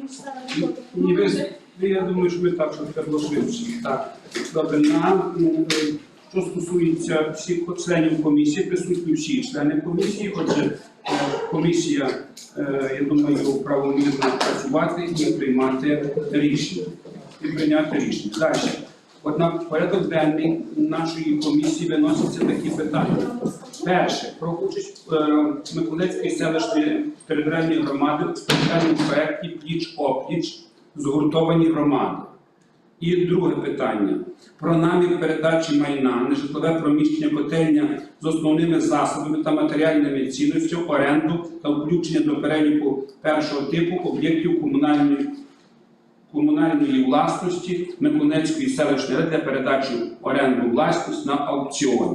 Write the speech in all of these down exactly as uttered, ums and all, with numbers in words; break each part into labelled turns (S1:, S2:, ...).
S1: Ні, ви, я думаю, що ми так, що треба швидше. Так, добре, на, що стосується всіх членів комісії, присутні всі члени комісії, отже, комісія, я думаю, правомірно працювати і приймати рішення. І прийняти рішення. Далі. Однак в порядок денний нашої комісії виносяться такі питання. Перше, про участь е, Миколаївської селищної територіальної громади в спеціальному проєкті «Пліч-опліч. Згуртовані громади». І друге питання. Про намір передачі майна, нежитлове приміщення котельня з основними засобами та матеріальними цінностями, оренду та включення до переліку першого типу об'єктів комунальної комунальної власності Миколаївської селищної ради для передачі оренду власності на аукціоні.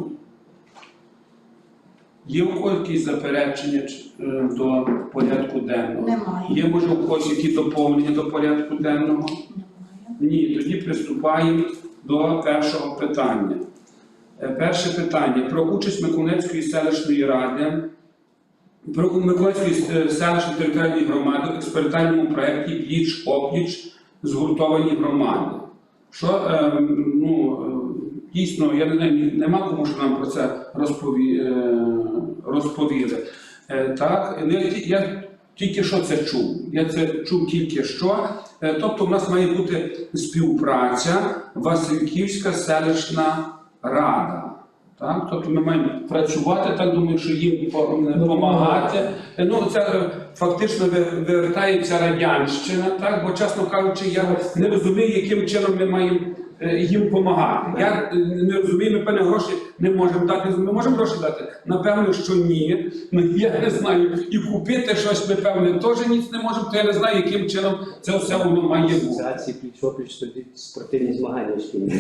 S1: Є у когось якісь заперечення до порядку денного?
S2: Немає.
S1: Є, може, у когось які доповнення до порядку денного? Ні, тоді приступаємо до першого питання. Перше питання. Про участь Миколаївської селищної ради, про Миколаївської селищної територіальної громади в експериментальному проєкті «Пліч-опліч. Згуртовані громади». Що, е, ну, дійсно, я не знаю, нема кому, що нам про це розпові, е, розповіли. Е, так, я, я тільки що це чув. Я це чув тільки що. Е, тобто, в нас має бути співпраця Васильківська селищна рада. Так? Тобто ми маємо працювати, так думаю, що їм допомагати. Ну, це фактично вертається радянщина, так? Бо, чесно кажучи, я не розумію, яким чином ми маємо їм допомагати. Я не розумію, ми певні гроші не можемо дати. Ми можемо гроші дати? Напевно, що ні. Я не знаю. І купити щось, ми, певне, теж ніц не можемо, то я не знаю, яким чином це все воно має бути.
S3: Асоціації пліч-опліч тоді спортивні змагання шкільні.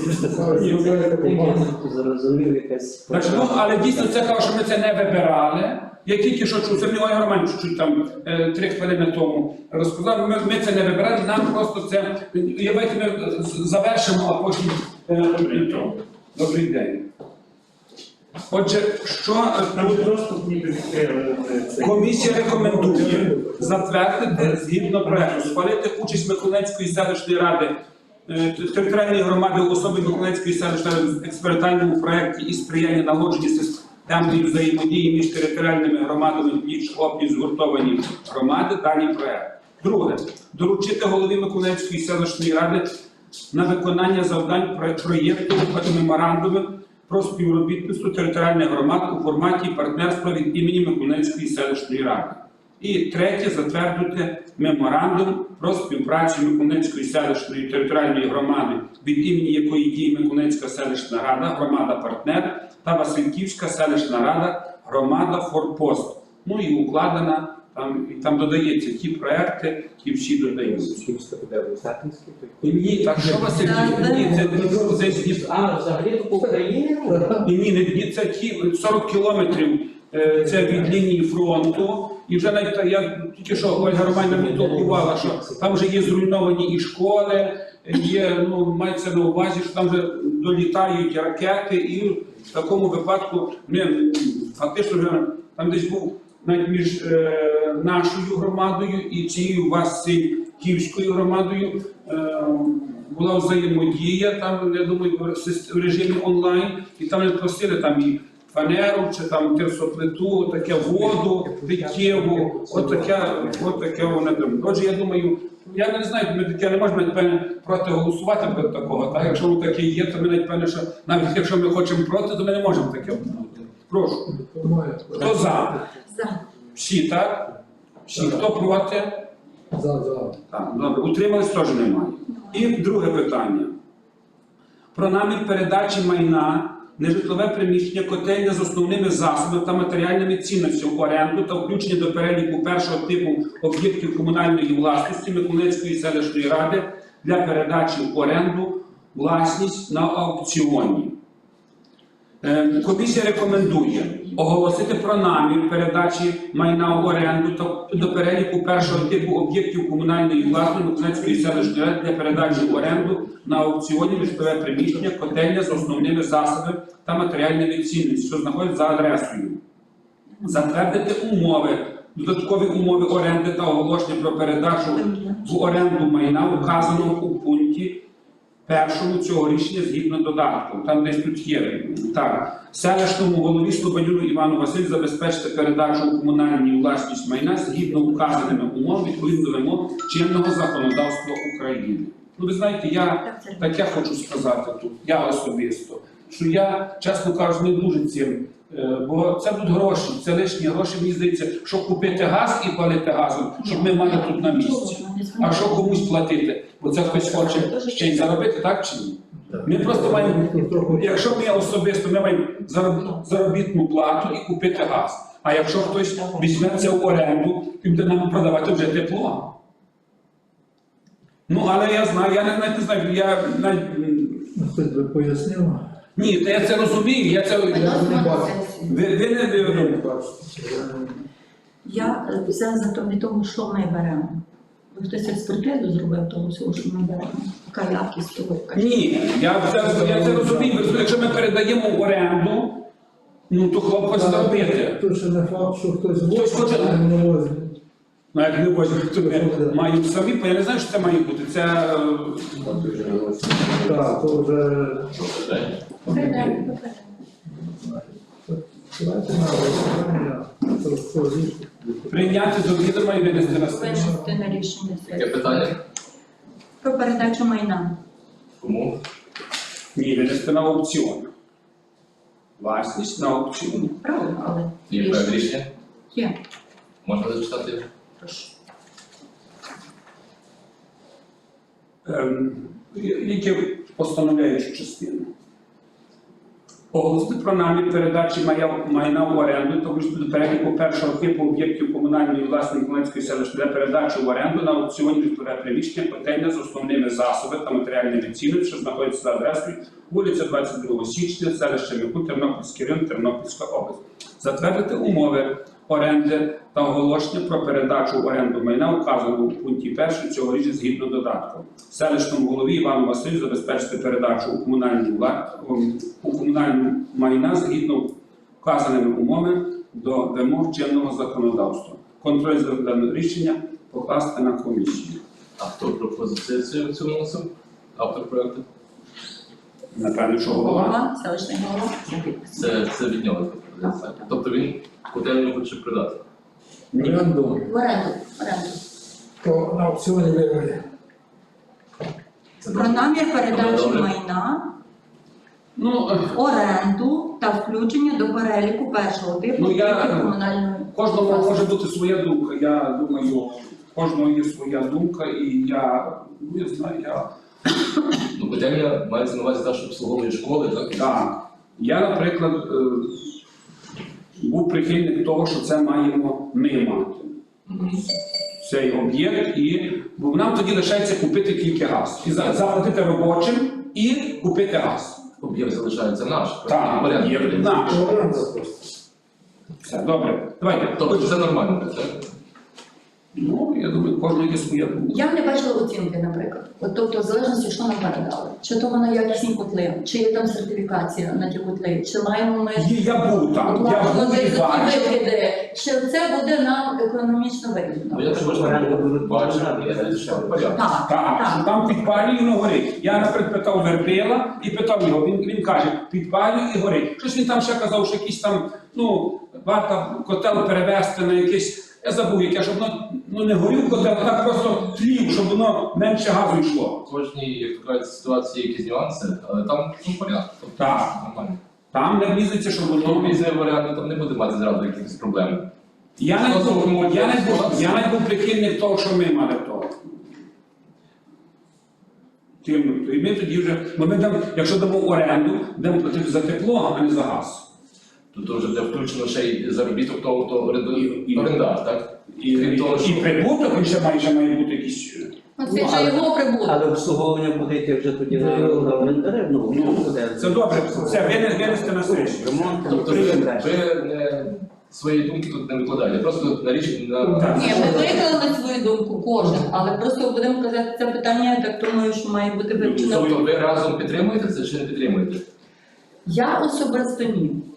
S1: Значить, ну, але дійсно це кажу, що ми це не вибирали. Я тільки що чув, це мені Ольга Роман чуть-чуть там е, три хвилини тому розказав, ми, ми це не вибирали, нам просто це, давайте ми завершимо, а потім е, добрий день. Отже, що комісія рекомендує затвердити згідно проекту, схвалити участь Миколаївської селищної ради територіальної громади у особі Миколаївської селищної ради в експериментальному проєкті і сприяння налагодженню системної взаємодії між територіальними громадами пліч-опліч згуртовані громади, даний проєкт. Друге. Доручити голові Миколаївської селищної ради на виконання завдань проєкту меморандуму про співробітництво територіальних громад у форматі партнерства від імені Миколаївської селищної ради. І третє, затвердити меморандум про співпрацю Миколаївської селищної територіальної громади, від імені якої діє Миколаївська селищна рада, громада-партнер та Васильківська селищна рада, громада-форпост. Ну і укладена, там, і там додається ті проекти, ті всі додаються. Ні, так що Васильківська? Ні, це десь...
S3: А, взагалі по Україні?
S1: Ні, ні, це ті сорок кілометрів, це від лінії фронту. І вже навіть я тільки що Ольга Романівна мені толкувала, що там вже є зруйновані і школи, є, ну, мається на увазі, що там вже долітають ракети, і в такому випадку ми фактично вже там десь був навіть між е, нашою громадою і цією Васильківською громадою е, була взаємодія, там, я думаю, в режимі онлайн, і там не просили там і фанеру, чи там терсоплиту, таке воду, питєву, от таке, от таке воно там. Отже, я думаю, я не знаю, ми таке не можемо, навіть, проти голосувати проти такого, так? Якщо воно таке є, то ми навіть, певне, що навіть якщо ми хочемо проти, то ми не можемо таке бути. Прошу. Хто за?
S2: За.
S1: Всі, так? Всі. Хто проти?
S4: За, за.
S1: Так, добре. Утримались теж немає. І друге питання. Про намір передачі майна, нежитлове приміщення, котельня з основними засобами та матеріальними цінностями, оренду та включення до переліку першого типу об'єктів комунальної власності Миколаївської селищної ради для передачі в оренду власність на аукціоні. Комісія рекомендує оголосити про намір передачі майна в оренду та до переліку першого типу об'єктів комунальної власності Миколаївської селищної ради для передачі в оренду на аукціоні нежитлове приміщення, котельня з основними засобами та матеріальними цінностями, що знаходяться за адресою. Затвердити умови Додаткові умови оренди та оголошення про передачу в оренду майна указано у пункті першому цього рішення згідно додатку. Там десь тут є. Так. Селищному голові Слободюну Івану Василь забезпечити передачу у комунальній власність майна згідно указаними умов відповідно до вимог чинного законодавства України. Ну, ви знаєте, я таке хочу сказати тут, я особисто, що я, чесно кажучи, не дуже цим. Бо це будуть гроші, це лишні гроші, мені здається, щоб купити газ і палити газом, щоб ми мали тут на місці. А що комусь платити? Бо це хтось хоче ще й заробити, так чи ні? Ми просто маємо, якщо ми особисто, ми маємо заробітну плату і купити газ. А якщо хтось візьме це в оренду, то буде нам продавати вже тепло. Ну, але я знаю, я навіть не знаю, я навіть...
S2: Хтось би пояснив.
S1: Ні, то я це розумію, я це... Ви, ви не ви,
S4: Я взяла за від того, що ми беремо. Ви хтось експертизу зробив того всього, що ми беремо. Яка якість того, яка
S1: Ні, я це, я це розумію. Якщо ми передаємо в оренду, ну то хлопець зробити.
S2: Тут ще не факт, що хтось
S1: Хтось хоче.
S2: возить, а не возить.
S1: Ну, як не возьмуть, то ми маємо самі, бо я не знаю, що це має бути. Це...
S2: Так, то вже... Давайте на голосування. Це що рішення.
S1: Прийняти до відома і винести на сесію.
S4: винести на рішення
S5: Яке
S4: сесії.
S5: питання?
S4: Про передачу майна.
S5: Кому?
S1: Ні, винести на аукціон. Власність на аукціон.
S4: Правильно, але
S5: Є проект рішення?
S4: є.
S5: Можна зачитати?
S4: Прошу.
S1: Ем, які постановляючу частину. Оголосити про намір передачі мая- майна в оренду та включити до переліку першого типу об'єктів комунальної власної Хмельницької селищної для передачі в оренду на аукціоні житлове приміщення котельня з основними засобами та матеріальними цінами, що знаходяться за адресою вулиця двадцять другого січня, селище Міху, Тернопільський район, Тернопільська область. Затвердити умови оренди та оголошення про передачу в оренду майна, указаного у пункті першому цього рішення згідно додатку. Селищному голові Івану Василю забезпечити передачу у комунальну вла- у комунальну майна згідно вказаними умовами до вимог чинного законодавства. Контроль за даним рішення покласти на комісію.
S5: А хто пропозицію в цьому вносив? Автор проекту?
S1: Напевно, що голова.
S4: Голова, селищний голова. за підпис.
S5: Це, це від нього така пропозиція. Тобто він котельню хоче продати.
S2: Оренду.
S4: В оренду. В оренду.
S2: То на аукціоні виграє.
S5: Це
S4: Про
S5: добре.
S4: намір передачі
S5: Добре.
S4: майна,
S1: Ну, е,
S4: оренду та включення до переліку першого типу
S1: Ну, я-
S4: об'єктів комунальної
S1: кожного
S4: власності.
S1: може бути своя думка. Я думаю, у кожного є своя думка, і я, ну, я знаю, я.
S5: Ну, котельня мається на увазі та, що обслуговує школи, так?
S1: Так. Я, наприклад, е, був прихильник того, що це маємо ми мати. Цей об'єкт, і бо нам тоді лишається купити тільки газ. І за- заплатити робочим і купити газ.
S5: Об'єкт залишається наш.
S1: Так,
S5: Порядок.
S1: є наш.
S2: То оренда просто.
S1: Все, добре. Давайте.
S5: Тобто це нормально, так?
S1: Ну, я думаю, кожного є своя думка.
S4: Я не бачила оцінки, наприклад. От, тобто, в залежності, що нам передали. Чи то воно якісні котли, чи є там сертифікація на ті котли, чи маємо ми
S1: Є, я був там, я
S4: оплату
S1: був
S4: за
S1: і
S4: ті
S1: бачив.
S4: викиди, чи це буде нам економічно
S5: Ну,
S4: вигідно?
S5: я також
S3: Оренда буде
S5: бачив,
S3: продавати.
S5: є що порядок.
S4: Так,
S1: Так, що
S4: так.
S1: там підпалює і воно горить. Я, наприклад, питав Вербила і питав його, він, він каже, підпалює і горить. Щось він там ще казав, що якийсь там, ну, варто котел перевести на якийсь, я забув яке, щоб воно ну, не горів котел, а так просто тлів, щоб воно менше газу йшло.
S5: В кожній, як то кажуть, ситуації якісь нюанси, але там ну, порядок. Тобто,
S1: Так.
S5: нормально.
S1: Там не влізеться, щоб
S5: Воно
S1: воно...
S5: візе варіант там не буде мати зразу якихось проблем.
S1: Я навіть був, я навіть був, я навіть був прихильник того, що ми мали того. Тим, і ми тоді вже, бо ми там, якщо дамо оренду, будемо платити за тепло, а не за газ.
S5: Тут вже буде включено ще й заробіток того, хто оренду-
S1: І- і-
S5: орендар, так?
S1: І,
S5: Крім того,
S1: і
S5: що-
S1: прибуток, він ще має, ще має бути якийсь.
S4: Ну, це вже його прибуток.
S3: Але обслуговування буде йти вже тоді на на орендаря, ну,
S1: Ну,
S3: буде.
S1: це добре, це вине- винести на сесію.
S3: Ремонт,
S5: Тобто
S3: там,
S5: ви,
S3: далі.
S5: ви не свої думки тут не викладаєте, просто на річ на
S1: Так.
S4: Ні, ми виклали свою думку, кожен, але просто будемо казати це питання, я так думаю, що має бути вивчено.
S5: Тобто ви разом підтримуєте це чи не підтримуєте?
S4: Я особисто ні.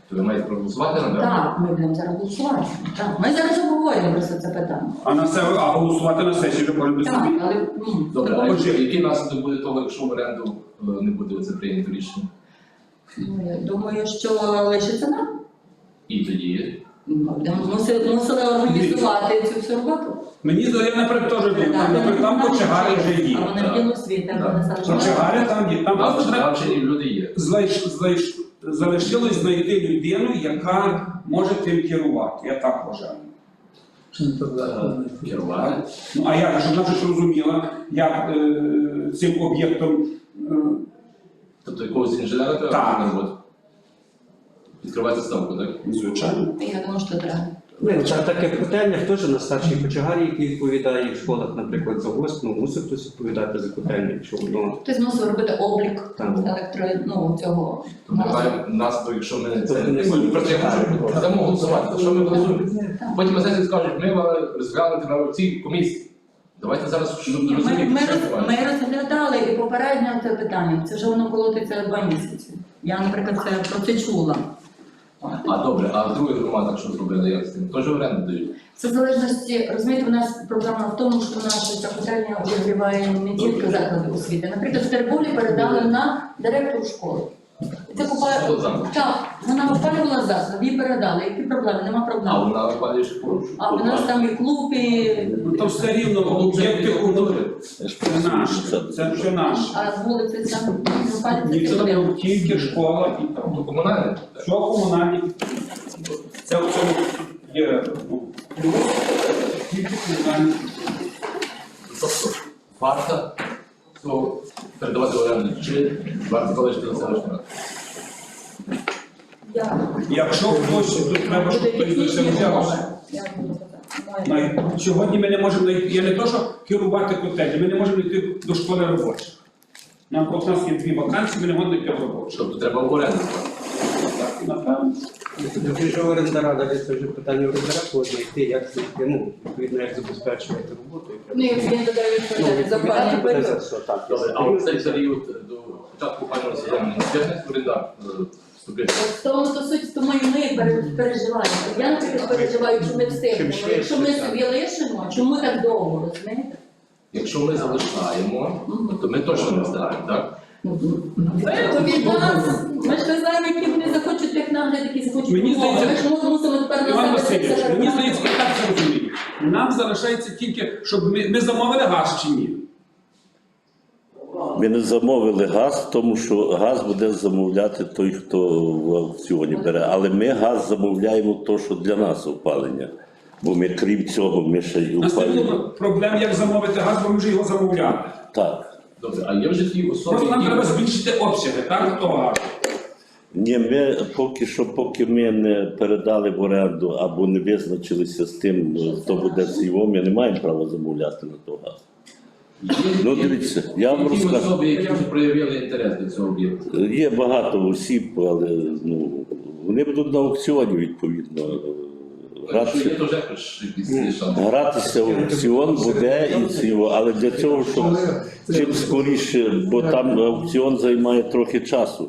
S5: То ви маєте проголосувати на
S4: Так, ми будемо зараз голосувати. Так, ми зараз обговорюємо просто це питання.
S1: А на це а голосувати на сесії вже кожен без
S4: Так,
S1: собі.
S4: але ну,
S5: Добре, а
S1: Отже-
S5: який- який наслідок буде того, якщо в оренду е, не буде це прийнято рішення?
S4: ну, я думаю, що лишиться нам.
S5: І тоді
S4: Ми будемо мусили, мусили організувати цю всю роботу.
S1: Мені здається, я наприклад теж думаю, там, наприклад, там кочегари вже є.
S4: А вони
S5: так.
S4: в ділу світи,
S5: Так.
S4: вони зараз.
S1: Кочегари там є. Там
S5: нас
S1: просто треба
S5: навчені люди є.
S1: знайш- знайш- залишилось знайти людину, яка може тим керувати. Я так вважаю.
S2: Чи не так далі?
S5: Керувати.
S1: Ну а як, щоб вона щось розуміла, як е, цим об'єктом. Е,
S5: Тобто якогось інженера треба
S1: Так.
S5: на роботу. Відкривати ставку, так?
S1: звичайно.
S4: Я думаю, що треба.
S3: Ну, це таке котельня, теж на старшій кочегарі, який відповідає в школах, наприклад, за ГОСТ, ну, мусить хтось відповідати за котельню, якщо воно.
S4: Хтось мусив робити облік
S3: Так.
S4: електро, ну, цього.
S5: Тобто маємо наслідок, якщо ми це
S3: Тобто не
S5: не просто я хочу дамо голосувати, то що ми голосуємо?
S4: Так.
S5: Потім на сесії скажуть, ми мали розглянути на цій комісії. Давайте зараз щоб
S4: Ні, Ми,
S5: розуміти,
S4: ми,
S5: що
S4: роз-
S5: відбувається.
S4: ми розглядали і попередньо це питання. Це вже воно колотиться два місяці. Я, наприклад, це про це чула.
S5: А добре, а в других громадах що зробили, як з тим? Теж оренду дають?
S4: Це в залежності, розумієте, у нас проблема в тому, що наша ця котельня обігріває не тільки заклади освіти. Наприклад, в Терболі передали на директору школи. Це купає...
S5: Школа заклад.
S4: Так, вона опалювала заклад, їй передали. Які проблеми? Нема
S5: А
S4: проблем.
S5: вона опалює школу?
S4: А в нас там і клуб, і...
S1: Ну то все рівно об'єкти культури. Це наше. Це все наше.
S4: а з вулиці там не опалюється
S1: Ніхто не
S4: будинок.
S1: робив, тільки школа і там.
S5: То комунальне?
S1: Що комунальні? Це в цьому є ну, плюс, тільки комунальні.
S5: Тобто варто то передавати в оренду, чи варто залишити на селищну раду?
S4: Я-
S1: Якщо хтось тут треба, щоб
S4: Буде
S1: хтось за це
S4: технічні
S1: взявся.
S4: умови. Я буду казати.
S1: Най- Сьогодні ми не можемо знайти, я не то, що керувати котельні, ми не можемо йти до школи робочих. Нам от у нас є дві вакансії, ми не можемо йти в робочу.
S5: Тобто треба в оренду.
S1: Так, напевно.
S3: Якщо оренда рада, це вже питання орендара, кого знайти, як знайти, ну, відповідно, як забезпечувати роботу.
S4: Ну, і він додає відповідальність за опалювальний
S3: Ну, це
S4: період.
S3: все так.
S5: Добре, а в цей період до початку опалювального сезону не встигне орендар е, вступити?
S4: От в тому то суть, тому і ми пере- переживаємо. Я, наприклад, переживаю, що ми встигнемо.
S3: швидше,
S4: Якщо ми
S3: так.
S4: собі лишимо, чому так довго, розумієте?
S5: Якщо ми залишаємо, то ми точно не встигаємо, так?
S4: То від нас, ми ж не знаємо, які вони захочуть технагляд, які захочуть
S1: Мені
S4: умови.
S1: здається,
S4: Ми ж мусимо тепер
S1: Іван
S4: на себе
S1: Васильович,
S4: це
S1: мені здається, я так це розумію. Нам залишається тільки, щоб ми, ми замовили газ чи ні.
S6: Ми не замовили газ, тому що газ буде замовляти той, хто в аукціоні бере. Але ми газ замовляємо то, що для нас опалення. Бо ми, крім цього, ми ще й
S1: У нас не
S6: опалюємо.
S1: було проблем, як замовити газ, бо ми вже його замовляли.
S6: Так.
S5: Добре, а є вже ті особи,
S1: Просто нам треба
S5: які...
S1: збільшити обсяги, так, того газу.
S6: Ні, ми поки що, поки ми не передали в оренду або не визначилися з тим, хто буде цього, ми не маємо права замовляти на той газ. Ну, дивіться, я вам
S5: Які
S6: розкажу.
S5: особи, які вже проявили інтерес до цього об'єкту?
S6: Є багато осіб, але ну, вони будуть на аукціоні, відповідно.
S5: Якщо є,
S6: Гратися,
S5: то вже хоч якісь шанси.
S6: гратися в аукціон буде і цього, але для цього, щоб чим скоріше, бо там аукціон займає трохи часу,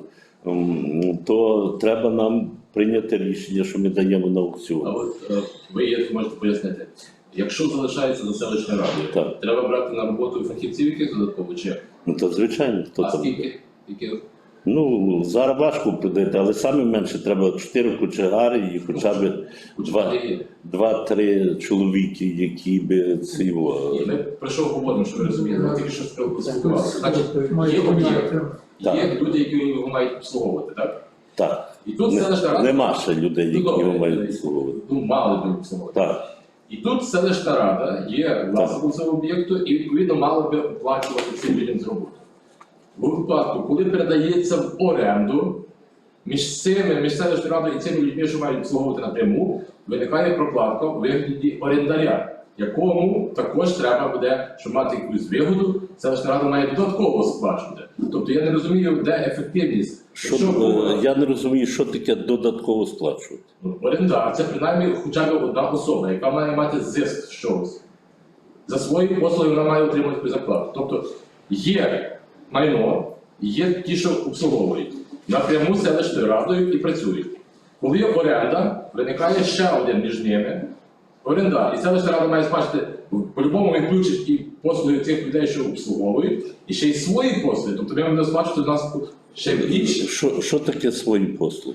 S6: м, то треба нам прийняти рішення, що ми даємо на
S5: А
S6: аукціон.
S5: от е, ви є, можете пояснити, якщо залишається за селищною радою,
S6: Так.
S5: треба брати на роботу фахівців яких додатково чи? як?
S6: Ну то звичайно, хто
S5: А
S6: там.
S5: скільки? Які?
S6: Ну, зараз важко придати, але саме менше треба чотири кочегари і хоча б два,
S5: Є.
S6: два-три чоловіки, які би цього.
S5: Ні, ми про що говоримо, що ви розумієте? Ми тільки що спілкувалися. Значить,
S2: Має
S5: є об'єкт,
S2: бути.
S6: Так.
S5: є люди, які його мають обслуговувати, так?
S6: Так.
S5: І тут
S6: Не-
S5: селищна рада,
S6: Нема ще людей,
S5: Ну,
S6: які
S5: добре,
S6: його мають обслуговувати.
S5: ну, мали би обслуговувати.
S6: Так.
S5: І тут селищна рада є власником цього об'єкту і відповідно мала би оплачувати цим людям з роботи. У випадку, коли передається в оренду, між цими, між селищною радою і цими людьми, що мають обслуговувати напряму, виникає прокладка у вигляді орендаря, якому також треба буде, щоб мати якусь вигоду, селищна рада має додатково сплачувати. Тобто я не розумію, де ефективність.
S6: Що,
S5: Якщо,
S6: е, я не розумію, що таке додатково сплачувати.
S5: ну, орендар це принаймні хоча б одна особа, яка має мати зиск з чогось. За свої послуги вона має отримати якусь зарплату. Тобто є майно, є ті, що обслуговують напряму селищною радою і працюють. Коли є оренда, виникає ще один між ними орендар. І селищна рада має бачити, по-любому він включить і послуги цих людей, що обслуговують, і ще й свої послуги. Тобто ми будемо бачити, у нас ще більше.
S6: Що, що таке свої послуги?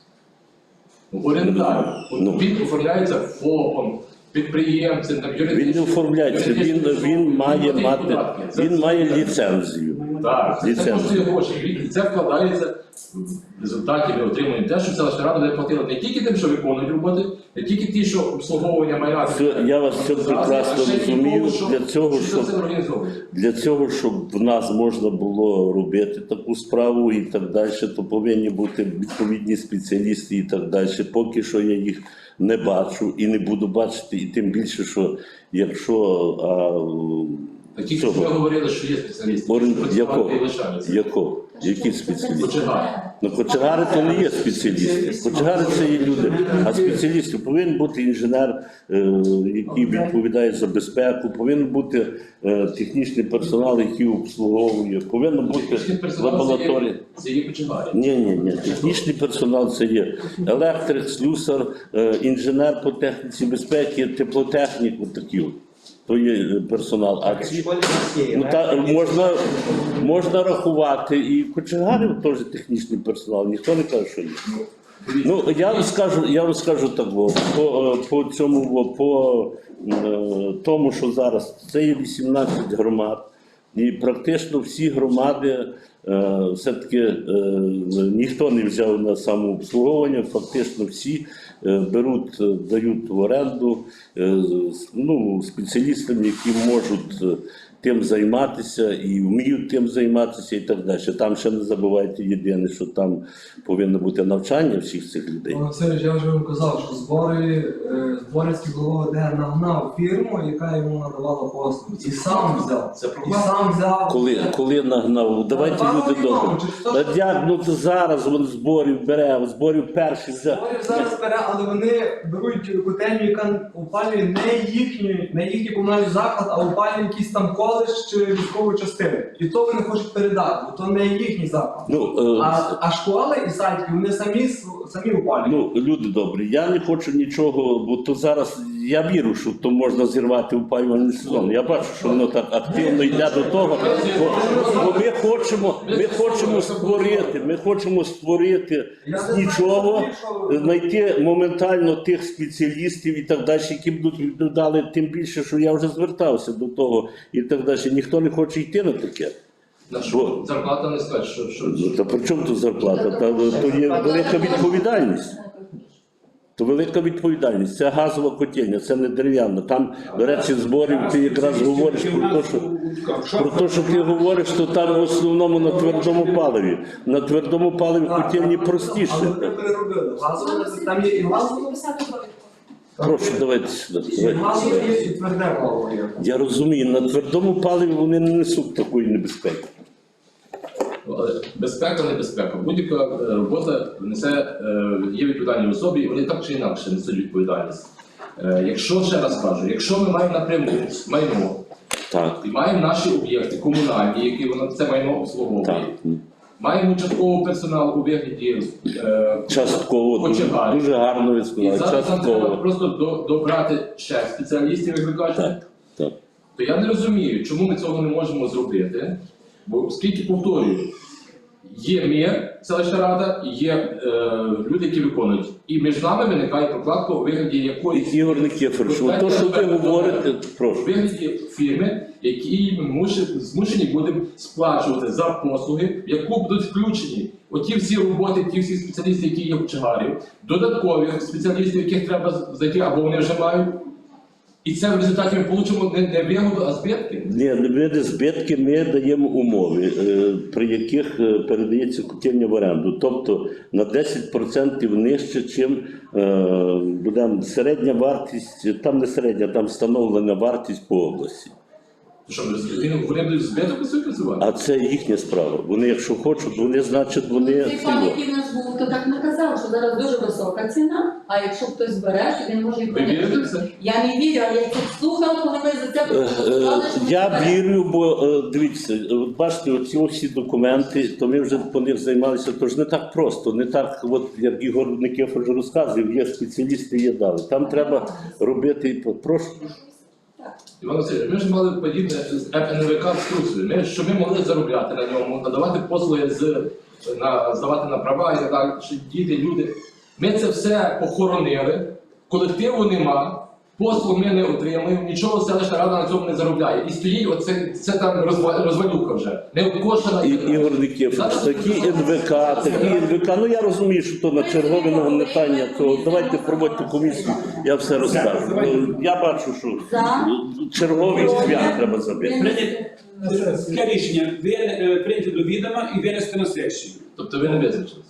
S5: Орендар.
S6: Ну.
S5: Він оформляється ФОПом, підприємцем, там,
S6: Він не
S5: юридичним.
S6: оформляється, він, він має
S5: Він
S6: мати,
S5: податки. Це-
S6: він має ліцензію.
S5: Так, це, це
S6: Ліцензію.
S5: коштує гроші. І це вкладається в результаті ми отримуємо те, що селищна рада буде платила не тільки тим, що виконують роботи, не тільки ті, що обслуговування майна.
S6: Це- я вас це прекрасно
S5: а ще й
S6: розумію.
S5: того, що-
S6: Для цього,
S5: що
S6: щоб-
S5: це організовує.
S6: Для цього, щоб в нас можна було робити таку справу і так далі, то повинні бути відповідні спеціалісти і так далі. Поки що я їх не бачу і не буду бачити, і тим більше, що якщо а,
S5: Такі, що
S6: цього,
S5: ми говорили, що є спеціалісти,
S6: орен-
S5: що працювати
S6: якого?
S5: і лишаються.
S6: Якого? Які спеціалісти?
S5: Починаємо.
S6: Ну, кочегари то не є спеціалісти. Кочегари це є люди. А спеціалісти повинен бути інженер, е, який відповідає за безпеку, повинен бути е, технічний персонал, який обслуговує, повинна бути
S5: Технічний персонал це
S6: лабораторія.
S5: є- Це є починаємо.
S6: Ні, ні, ні. Технічний персонал це є електрик, слюсар, е, інженер по техніці безпеки, теплотехнік, от такі. от. То є е, персонал. А
S3: В
S6: ці
S3: школі у нас є.
S6: ну, та,
S3: електрики,
S6: можна, можна рахувати і кочегарів теж технічний персонал, ніхто не каже, що ні. Ну, я вам скажу, я вам скажу так, бо, по, е, по цьому, бо, по е, тому, що зараз це є вісімнадцять громад, і практично всі громади е, все-таки е, ніхто не взяв на самообслуговування, фактично всі е, беруть, е, дають в оренду е, з- ну, спеціалістам, які можуть е, тим займатися і вміють тим займатися і так далі. Там ще не забувайте єдине, що там повинно бути навчання всіх цих людей.
S2: Олексій, я вже вам казав, що збори, е, Зборівський голова ОД нагнав фірму, яка йому надавала послуги. І сам взяв.
S5: Це
S2: І
S5: проблема.
S2: сам взяв.
S6: Коли, коли нагнав, давайте
S2: Та,
S6: люди
S2: ну,
S6: добре.
S2: через те,
S6: Та
S2: що-
S6: як, ну то зараз він зборів бере, зборів перший взяв.
S2: Зборів зараз бере, але вони беруть котельню, яка опалює не їхню, не їхній комунальний заклад, а опалює якийсь там коледж чи військову частину. І то вони хочуть передати, бо то не їхній заклад.
S6: Ну, е,
S2: А, а школи і садики, вони самі, св- самі опалюють.
S6: ну, люди добрі, я не хочу нічого, бо то зараз я вірю, що то можна зірвати опалювальний сезон. Я бачу, що воно так активно йде до того. Бо, бо ми хочемо, ми хочемо створити, ми хочемо створити з нічого, знайти моментально тих спеціалістів і так далі, які будуть відповідали, тим більше, що я вже звертався до того і так далі. Ніхто не хоче йти на таке.
S5: На що? Зарплата не скаже, що, що,
S6: Ну, та при чому тут зарплата? Та, то є велика відповідальність. То велика відповідальність. Це газова котельня, це не дерев'яна. Там, до речі, зборів ти якраз говориш про те, що, про те, що ти говориш, що там в основному на твердому паливі. На твердому паливі котельні
S2: Але
S6: простіше.
S2: вони переробили. Газове, там є і газове,
S6: Прошу, давайте сюди.
S2: і
S6: Давайте.
S2: газове є, і тверде паливо є.
S6: Я розумію, на твердому паливі вони не несуть такої небезпеки.
S5: Але безпека, не безпека. Будь-яка е, робота несе, е, є відповідальні особі, і вони так чи інакше несуть відповідальність. Е, Якщо, ще раз кажу, якщо ми маємо напряму майно,
S6: Так,
S5: і маємо наші об'єкти комунальні, які воно це майно обслуговує,
S6: так.
S5: маємо частковий персонал у вигляді е,
S6: Частково, дуже,
S5: Кочегарів.
S6: дуже гарно ви
S5: І
S6: сказали.
S5: зараз нам треба
S6: Частково.
S5: просто до- добрати ще спеціалістів, як ви кажете.
S6: Так, так.
S5: То я не розумію, чому ми цього не можемо зробити. Бо оскільки, повторюю, є ми, селищна рада, і є е, люди, які виконують. І між нами виникає прокладка у вигляді якоїсь
S6: Ігор Никифорович, от то, що ви говорите,
S5: у
S6: прошу.
S5: вигляді фірми, які ми муш- змушені будемо сплачувати за послуги, в яку будуть включені оті всі роботи, ті всі спеціалісти, які є в Чагарі, додаткові спеціалістів, яких треба знайти, або вони вже мають. І це в результаті ми отримуємо не, не вигоду, а збитки.
S6: Ні, не буде збитки, ми даємо умови, е, при яких е, передається котельня в оренду. Тобто на десять відсотків нижче, чим е, буде середня вартість, там не середня, там встановлена вартість по області.
S5: То що, ми- вони будуть збиток усі працювати?
S6: А це їхня справа. Вони, якщо хочуть, вони, значить, вони.
S4: Цей пан, який в нас був, то так наказав, що зараз дуже висока ціна, а якщо хтось бере, то він може і
S5: Ви вірите в
S4: прийняти.
S5: це?
S4: Я не вірю, але я тут слухав, коли ви за це
S6: Е, е,
S4: проголосували, що ми
S6: Я
S4: беремо.
S6: вірю, бо е, дивіться, от бачите, оці всі документи, то ми вже по них займалися, то ж не так просто, не так, от як Ігор Никифор вже розказував, є спеціалісти, є дали. Там треба робити, прошу.
S5: Іван Васильович, ми ж мали подібне з ен ве ка в Струсові. Ми, що ми могли заробляти на ньому, надавати послуги, з, на, здавати на права і так далі, що діти, люди. Ми це все похоронили, колективу нема, послуг ми не отримуємо, нічого селищна рада на цьому не заробляє. І стоїть оце це там розва- розвалюха вже. Не обкошена.
S6: І, Ігор Никифорович, такі ен ве ка, такі ен ве ка, ну я розумію, що то на чергове нагнетання, то давайте проводьте комісію, я все розкажу. Ну, я бачу, що
S4: За.
S6: черговий свят треба забити.
S1: Прийняти таке рішення ви, е, прийняти до відома і винести на сесію.
S5: Тобто ви не визначилися.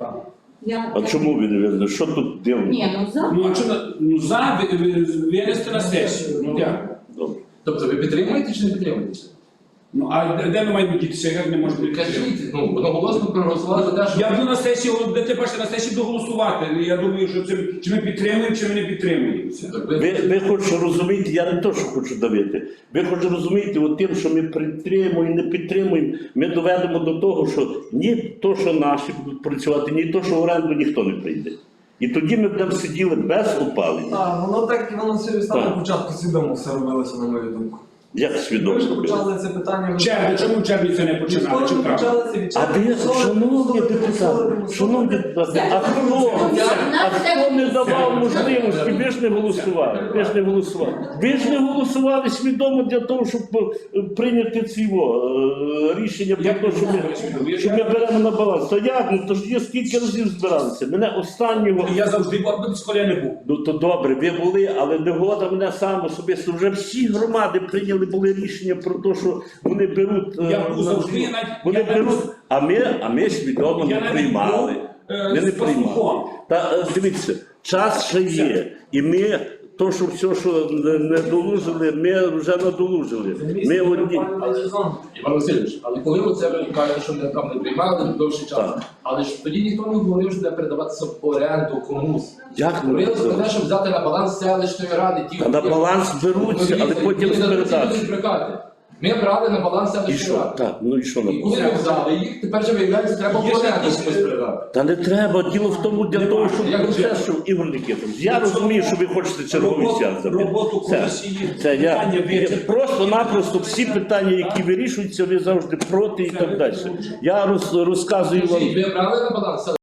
S4: Я-
S6: А чому ви не видно? Що тут дивно?
S4: Ні, ну за.
S1: Ну, а що на- ну, за ви- ви- винести на сесію. Ну, дякую.
S6: Добре.
S5: Тобто ви підтримуєте чи не підтримуєте це?
S1: Ну, а де- де ми маємо дітися, як не можемо підтримати?
S5: Кажіть, ну, одноголосно проголосували за те, що...
S1: Я буду на сесії, де ти бачите, на сесії доголосувати. Я думаю, що це, чи ми підтримуємо, чи ми не підтримуємо. це.
S5: Так ви-
S6: Ви, ви хочете розуміти, я не то, що хочу давити. Ви хочете розуміти, от тим, що ми підтримуємо і не підтримуємо, ми доведемо до того, що ні то, що наші будуть працювати, ні то, що в оренду ніхто не прийде. І тоді ми будемо сиділи без опалення.
S2: Так, воно так, Іван Васильович, там
S6: Так.
S2: на початку свідомо все робилося, на мою думку.
S6: Як
S2: Ми
S6: свідомо
S2: ж
S6: робити?
S2: почали це питання.
S1: В червні, чому в червні це не починали? Чи
S2: Відколи ми
S1: правда?
S2: почали це від
S6: А
S2: червня,
S6: ви,
S2: мусили-
S6: шановні
S2: мусили-
S6: депутати,
S2: мусили-
S6: шановні депутати, а хто, а хто не давав можливості? Ви ж не голосували, ви ж не голосували. Ви ж не голосували свідомо для того, щоб е, прийняти ці о, е, рішення про
S1: Як
S6: те,
S1: ви
S6: що ми,
S1: голосували?
S6: що ми беремо на баланс. То як? Ну то ж є скільки разів збиралися. Мене останнього.
S1: Я завжди був, коли я не був.
S6: Ну то добре, ви були, але негода мене сам особисто. Вже всі громади прийняли були рішення про те, що вони беруть. е,
S1: Я був
S6: на-
S1: завжди, я навіть-
S6: вони
S1: я навіть-
S6: беруть, а ми, а ми свідомо
S1: Я
S6: не
S1: навіть
S6: приймали.
S1: був, е,
S6: Ми не
S1: з пастухом.
S6: приймали. Та е, дивіться, час ще є, і ми. То, що все, що не, не долужили, ми вже надолужили.
S2: Це
S6: Ми
S2: місце
S6: одні.
S2: опалювальний сезон.
S5: Іван Васильович, але коли оце ви кажете, що ми там не приймали довший час,
S6: Так.
S5: але ж тоді ніхто не говорив, що буде передаватися в оренду комусь.
S6: Як не
S5: Говорили про
S6: передавати?
S5: те, щоб взяти на баланс селищної ради. Ті,
S6: Та на
S5: які-
S6: баланс беруться, але
S5: Ну,
S6: потім
S5: дивіться,
S6: з
S5: ці
S6: передачі.
S5: будуть брехати. Ми брали на баланс
S6: І
S5: селищної
S6: що?
S5: ради.
S6: Так, ну і що на
S5: І коли ми взяли їх, тепер же виявляється, треба в
S1: Є ще
S5: оренду
S1: якісь,
S5: комусь передати.
S6: Та не треба, діло в тому для
S1: Нема.
S6: того, щоб
S5: Як
S6: процес,
S5: це?
S6: щоб Ігор Никифорович. Я розумію, що ви хочете черговий
S1: Роботу-
S6: свят забити.
S1: роботу
S6: Це,
S1: комісії,
S6: це я,
S1: питання
S6: я
S1: вичерпано.
S6: просто-напросто всі питання, які вирішуються, ви завжди проти і так далі. Я роз, розказую вам.
S5: Ви брали на баланс